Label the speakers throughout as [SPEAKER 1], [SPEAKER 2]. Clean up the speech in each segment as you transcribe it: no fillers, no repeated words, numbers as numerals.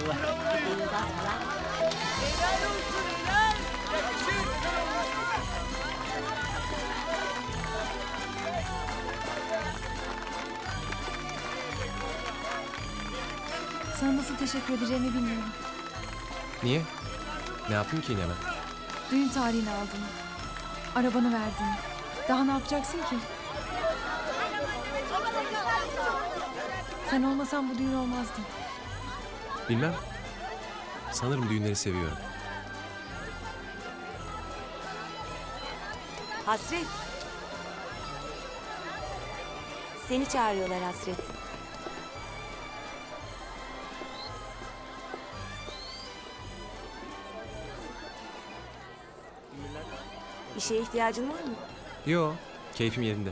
[SPEAKER 1] Eyvallah.
[SPEAKER 2] Helal olsun helal. Yakışır.
[SPEAKER 3] Sana nasıl teşekkür edeceğimi bilmiyorum.
[SPEAKER 4] Niye? Ne yaptın ki yine ben?
[SPEAKER 3] Düğün tarihini aldın. Arabanı verdin. Daha ne yapacaksın ki? Sen olmasan bu düğün olmazdı.
[SPEAKER 4] Bilmem. Sanırım düğünleri seviyorum.
[SPEAKER 5] Hasret. Seni çağırıyorlar Hasret. Bir şeye ihtiyacın var mı?
[SPEAKER 4] Yo, keyfim yerinde.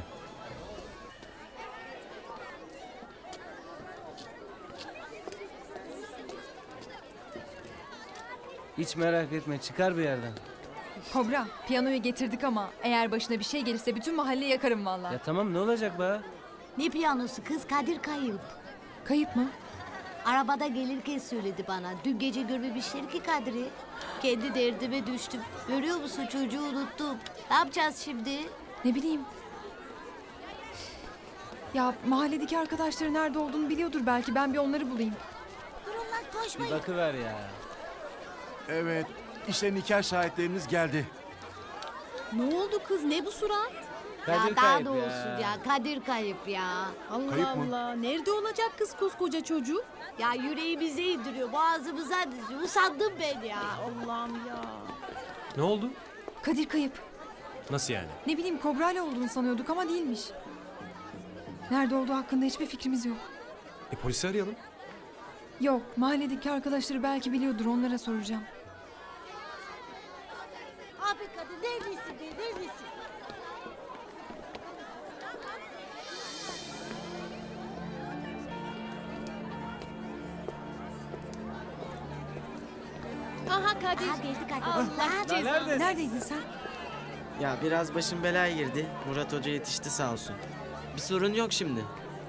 [SPEAKER 1] Hiç merak etme, çıkar bir yerden.
[SPEAKER 6] Kobra, piyanoyu getirdik ama eğer başına bir şey gelirse bütün mahalleyi yakarım vallahi.
[SPEAKER 1] Ya tamam, ne olacak be?
[SPEAKER 7] Ne piyanosu kız, Kadir kayıp.
[SPEAKER 3] Kayıp mı?
[SPEAKER 7] Arabada gelirken söyledi bana. Dün gece görmemişler ki Kadir'i. Kendi derdime düştüm. Görüyor musun, çocuğu unuttum. Ne yapacağız şimdi?
[SPEAKER 3] Ne bileyim. Ya mahalledeki arkadaşları nerede olduğunu biliyordur belki. Ben bir onları bulayım.
[SPEAKER 7] Durun lan,
[SPEAKER 1] Bir
[SPEAKER 7] koşmayın.
[SPEAKER 1] bakıver ya.
[SPEAKER 8] Evet, işte nikah şahitleriniz geldi.
[SPEAKER 9] Ne oldu kız? Ne bu surat?
[SPEAKER 1] Kadir
[SPEAKER 7] Ya daha
[SPEAKER 1] kayıp
[SPEAKER 7] da olsun ya. Kadir kayıp ya.
[SPEAKER 9] Allah
[SPEAKER 8] Kayıp mı?
[SPEAKER 9] Allah. Nerede olacak kız koskoca çocuk?
[SPEAKER 7] Ya yüreğimize indiriyor, boğazımıza diziyor. Usandım ben ya.
[SPEAKER 9] Allah'ım ya.
[SPEAKER 4] Ne oldu?
[SPEAKER 3] Kadir kayıp.
[SPEAKER 4] Nasıl yani?
[SPEAKER 3] Ne bileyim Kobra'yla olduğunu sanıyorduk ama değilmiş. Nerede olduğu hakkında hiçbir fikrimiz yok.
[SPEAKER 4] Polisi arayalım.
[SPEAKER 3] Yok, mahalledeki arkadaşları belki biliyordur, onlara soracağım.
[SPEAKER 7] Abi Kadir neredesin be, neredesin?
[SPEAKER 9] Aha Kadir.
[SPEAKER 7] Aha geldi Kadir.
[SPEAKER 9] Allah cezanı.
[SPEAKER 1] Neredesin?
[SPEAKER 3] Neredeydin sen?
[SPEAKER 10] Ya biraz başım belaya girdi. Murat Hoca yetişti sağ olsun. Bir sorun yok şimdi.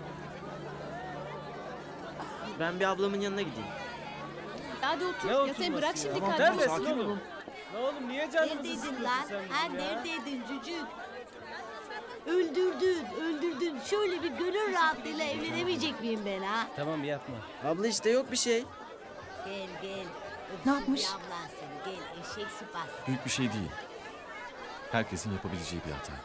[SPEAKER 10] Ben bir ablamın yanına gideyim.
[SPEAKER 9] Hadi otur.
[SPEAKER 1] Ne
[SPEAKER 9] Ya
[SPEAKER 1] oturması
[SPEAKER 9] sen bırak
[SPEAKER 1] ya?
[SPEAKER 9] şimdi
[SPEAKER 1] Tamam,
[SPEAKER 9] Kadir'i.
[SPEAKER 1] neredesin
[SPEAKER 9] Sakin
[SPEAKER 1] oğlum?
[SPEAKER 9] olun.
[SPEAKER 1] Ne oğlum, niye canımızı
[SPEAKER 7] Neredeydin
[SPEAKER 1] sıkıyorsun
[SPEAKER 7] lan?
[SPEAKER 1] sen
[SPEAKER 7] Ha
[SPEAKER 1] bizim ya?
[SPEAKER 7] neredeydin cücük? Öldürdün. Şöyle bir gönül rahatlığıyla evlenemeyecek miyim ben ha?
[SPEAKER 1] Tamam, yapma.
[SPEAKER 10] Abla işte yok bir şey.
[SPEAKER 7] Gel.
[SPEAKER 3] Ne yapmış?
[SPEAKER 7] Bir ablan seni, gel eşek sıpası.
[SPEAKER 8] Büyük bir şey değil. Herkesin yapabileceği bir hata.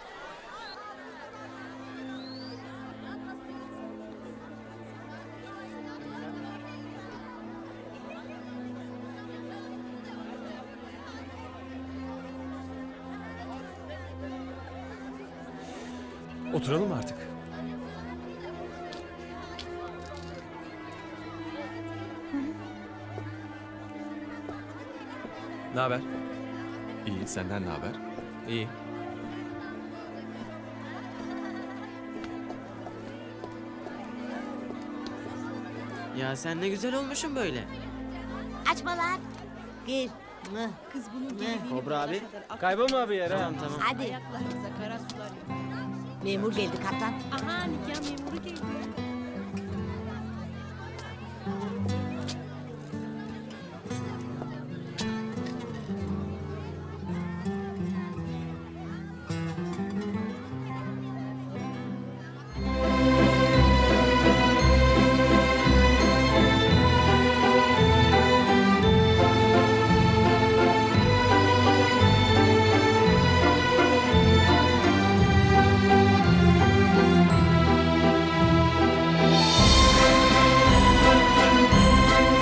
[SPEAKER 4] Oturalım mı artık? Ne haber?
[SPEAKER 8] İyi, senden ne haber?
[SPEAKER 4] İyi.
[SPEAKER 10] Ya sen ne güzel olmuşsun böyle.
[SPEAKER 7] Açma lan. Gel. Mıh.
[SPEAKER 9] Kız bunun
[SPEAKER 7] Ne?
[SPEAKER 9] geldiğini
[SPEAKER 10] Kobra
[SPEAKER 9] bulana
[SPEAKER 10] abi.
[SPEAKER 9] kadar
[SPEAKER 1] Kaybolma bir yere.
[SPEAKER 10] Tamam tamam.
[SPEAKER 7] Hadi.
[SPEAKER 9] Ayaklarımıza kara sular yok.
[SPEAKER 7] Memur geldi kaptan.
[SPEAKER 9] Aha nikah memuru geldi.